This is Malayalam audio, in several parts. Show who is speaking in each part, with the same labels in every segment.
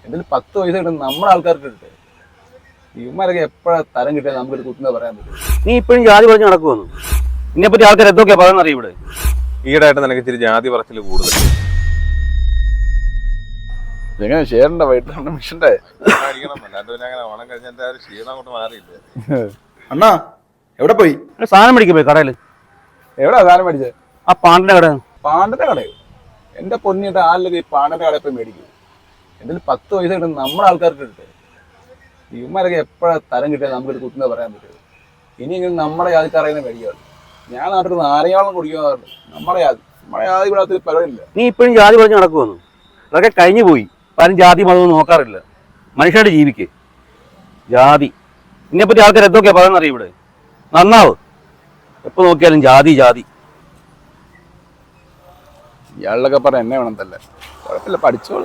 Speaker 1: എന്തെങ്കിലും 10 പൈസ കിട്ടും നമ്മുടെ ആൾക്കാർക്ക് കിട്ടും. ഇവന്മാരൊക്കെ എപ്പോഴാ തരം കിട്ടിയാൽ നമുക്കൊരു കുത്തുന്നത് പറയാൻ പറ്റും.
Speaker 2: നീ ഇപ്പോഴും ജാതി പറഞ്ഞ് നടക്കുമെന്നു ഇതിനെപ്പറ്റി ആൾക്കാർ എന്തൊക്കെയാ പറയുന്നത് അറിയും ഇവിടെ.
Speaker 3: ഈടായിട്ട് നിനക്ക് ഇച്ചിരി ജാതി പറച്ചിൽ കൂടുതൽ.
Speaker 1: എങ്ങനെ ഷെയറിന്റെ വൈകിട്ട് മിഷന്റെ
Speaker 3: ഓണം കഴിഞ്ഞ ക്ഷീണം അങ്ങോട്ട് മാറിയില്ലേ?
Speaker 1: അണ്ണാ എവിടെ പോയി?
Speaker 2: സാധനം മേടിക്കാൻ പോയി കടയിൽ.
Speaker 1: എവിടാ സാധനം മേടിച്ചത്?
Speaker 2: ആ പാണ്ടിന്റെ കട.
Speaker 1: പാണ്ടിന്റെ കടയോ? എന്റെ പൊന്നിട്ട് ആളിലൊക്കെ ഈ പാണ്ടിന്റെ കടയിൽ പോയി മേടിക്കും. എന്തെങ്കിലും 10 പൈസ കിട്ടും നമ്മുടെ ആൾക്കാർക്ക് കിട്ടും. ഇവന്മാരൊക്കെ എപ്പോഴാ തരം കിട്ടിയാൽ നമുക്കൊരു കുത്തുന്നത് പറയാൻ പറ്റും. ഇനിയെങ്കിലും നമ്മുടെ ജാതിക്കറിയുന്ന മേടിക്കാറ്. ഞാൻ നാട്ടിൽ നാരങ്ങാവെള്ളം കുടിക്കാറുണ്ട്. നമ്മുടെ ജാതി ഇവിടെ പരിപാടിയില്ല.
Speaker 2: നീ ഇപ്പോഴും ജാതി പറഞ്ഞ് നടക്കുമെന്നു അതൊക്കെ കഴിഞ്ഞു പോയി. പലരും ജാതി മതമൊന്നും നോക്കാറില്ല. മനുഷ്യരുടെ ജീവിക്ക് ജാതി. ഇതിനെപ്പറ്റി ആൾക്കാർ എന്തൊക്കെയാ പറയുന്നത് അറിയും ഇവിടെ. നന്നാവ്. എപ്പോ നോക്കിയാലും ജാതി ജാതി.
Speaker 1: ഇയാളിലൊക്കെ പറഞ്ഞ എന്നെ വേണം തല്ലേ. കുഴപ്പമില്ല, പഠിച്ചോളൂ.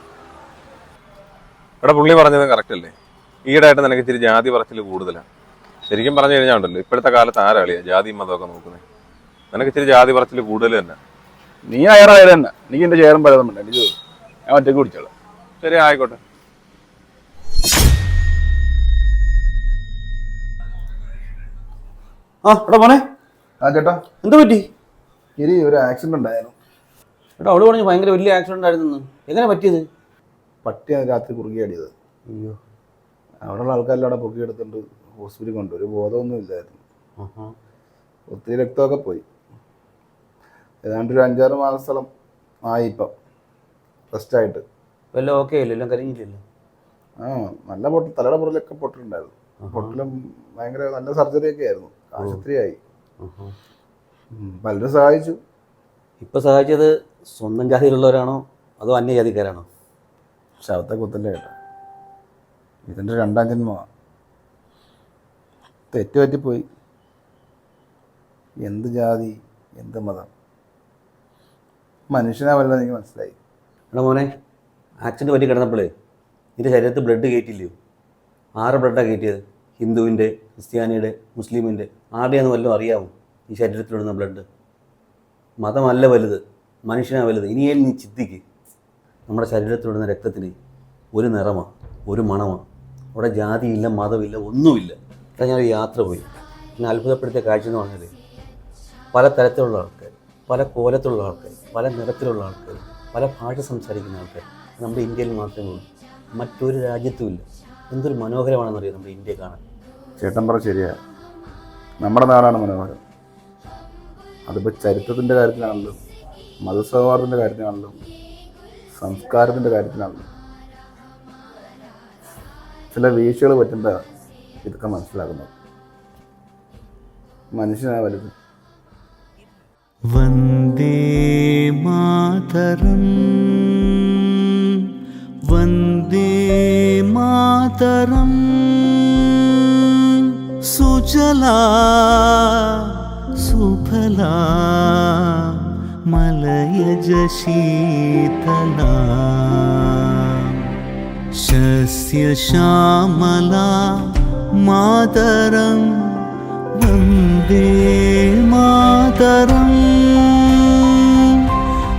Speaker 3: ഇവിടെ പുള്ളി പറഞ്ഞത് കറക്റ്റ് അല്ലേ? ഈടായിട്ട് നിനക്ക് ഇച്ചിരി ജാതി പറച്ചിൽ കൂടുതലാണ്. ശരിക്കും പറഞ്ഞു കഴിഞ്ഞാൽ ഉണ്ടല്ലോ, ഇപ്പോഴത്തെ കാലത്ത് ആരാളിയാ ജാതി മതമൊക്കെ നോക്കുന്നത്? നിനക്ക് ഇച്ചിരി ജാതി പറച്ചിൽ കൂടുതൽ തന്നെ.
Speaker 1: നീ അയറാ തന്നെ. എനിക്ക് എന്റെ ചേറും പലതും എനിക്ക് ഞാൻ ഒറ്റയ്ക്ക് കുടിച്ചോളാം.
Speaker 3: ശരി, ആയിക്കോട്ടെ.
Speaker 2: ആ എടാ മോനെ.
Speaker 1: ആ ചേട്ടാ,
Speaker 2: എന്ത് പറ്റി?
Speaker 1: ഇനി ഒരു ആക്സിഡന്റ് ഉണ്ടായിരുന്നു.
Speaker 2: എടാ അവള് പറഞ്ഞു ഭയങ്കര വലിയ ആക്സിഡന്റ് ആയിരുന്നു. എങ്ങനെ പറ്റിയത്?
Speaker 1: പട്ടിയാണ് രാത്രി കുറുകിയാടിയത്.
Speaker 2: അയ്യോ.
Speaker 1: അവിടെയുള്ള ആൾക്കാരെല്ലാം അവിടെ പൊക്കിയെടുത്തിട്ട് ഹോസ്പിറ്റലിൽ കൊണ്ടു. ഒരു ബോധമൊന്നും ഇല്ലായിരുന്നു. ഒത്തിരി രക്തമൊക്കെ പോയി. ഏതാണ്ട് ഒരു 5-6 മാസത്തോളം ആയി ഇപ്പം റെസ്റ്റായിട്ട്.
Speaker 2: വല്ല ഓക്കെ അല്ലേ? എല്ലാം കരിഞ്ഞില്ലല്ലോ?
Speaker 1: ആ, നല്ല തലയുടെ പുറലൊക്കെ പൊട്ടിട്ടുണ്ടായിരുന്നു. പൊട്ടലും ഭയങ്കര നല്ല സർജറിയൊക്കെ ആയിരുന്നു. ആശുപത്രിയായി. പലരും സഹായിച്ചു.
Speaker 2: ഇപ്പൊ സഹായിച്ചത് സ്വന്തം ജാതിയിലുള്ളവരാണോ അതോ അന്യജാതിക്കാരാണോ?
Speaker 1: ശവത്തെ കുത്തല്ലേ കേട്ടോ. ഇതിൻ്റെ 2ാം ജന്മമാണ്. തെറ്റുപറ്റിപ്പോയി. എന്ത് ജാതി, എന്ത് മതം, മനുഷ്യനാവല്ലോ എനിക്ക് മനസ്സിലായി.
Speaker 2: എടാ മോനെ, ആക്സിഡൻറ്റ് പറ്റി കിടന്നപ്പോഴേ നിന്റെ ശരീരത്തിൽ ബ്ലഡ് കയറ്റില്ലയോ? 6 ബ്ലഡാണ് കയറ്റിയത്. ഹിന്ദുവിൻ്റെ, ക്രിസ്ത്യാനിയുടെ, മുസ്ലിമിൻ്റെ. ആരുടെയാണെന്ന് വല്ലതും അറിയാമോ ഈ ശരീരത്തിലിടുന്ന ബ്ലഡ്? മതമല്ല വലുത്, മനുഷ്യനാണ് വലുത്. ഇനിയേലും നീ ചിന്തിക്ക്. നമ്മുടെ ശരീരത്തിലിടുന്ന രക്തത്തിന് ഒരു നിറമാണ്, ഒരു മണമാണ്. അവിടെ ജാതിയില്ല, മതമില്ല, ഒന്നുമില്ല. ഇവിടെ ഞാനൊരു യാത്ര പോയി. എന്നെ അത്ഭുതപ്പെടുത്തിയ കാഴ്ച എന്ന് പറഞ്ഞാൽ പല തരത്തിലുള്ള ആൾക്കാർ, പല കോലത്തിലുള്ള ആൾക്കാർ, പല നിറത്തിലുള്ള ആൾക്കാർ, പല ഭാഷ സംസാരിക്കുന്ന ആൾക്കാർ നമ്മുടെ ഇന്ത്യയിൽ മാത്രമേ ഉള്ളൂ. മറ്റൊരു രാജ്യത്തുമില്ല. എന്തൊരു മനോഹരമാണെന്നറിയാം നമ്മുടെ ഇന്ത്യ കാണാൻ.
Speaker 1: ചേട്ടൻ പറ ശരിയാ. നമ്മുടെ നാടാണ് മനോഹരം. അതിപ്പോൾ ചരിത്രത്തിൻ്റെ കാര്യത്തിലാണല്ലോ, മതസൗഹാർദ്ദത്തിൻ്റെ കാര്യത്തിലാണല്ലോ, സംസ്കാരത്തിൻ്റെ കാര്യത്തിലാണല്ലോ. ചില വീഴ്ചകൾ പറ്റുമ്പോൾ ഇതൊക്കെ മനസ്സിലാക്കുന്നത്. മനുഷ്യനാ വലുത്.
Speaker 4: വന്ദേ മാതരം, വന്ദേ മാതരം. സുജലാ സുഫലാ മലയജ ശീതളാ ശസ്യശ്യാമലാ മാതരം. വന്ദേ മാതരം.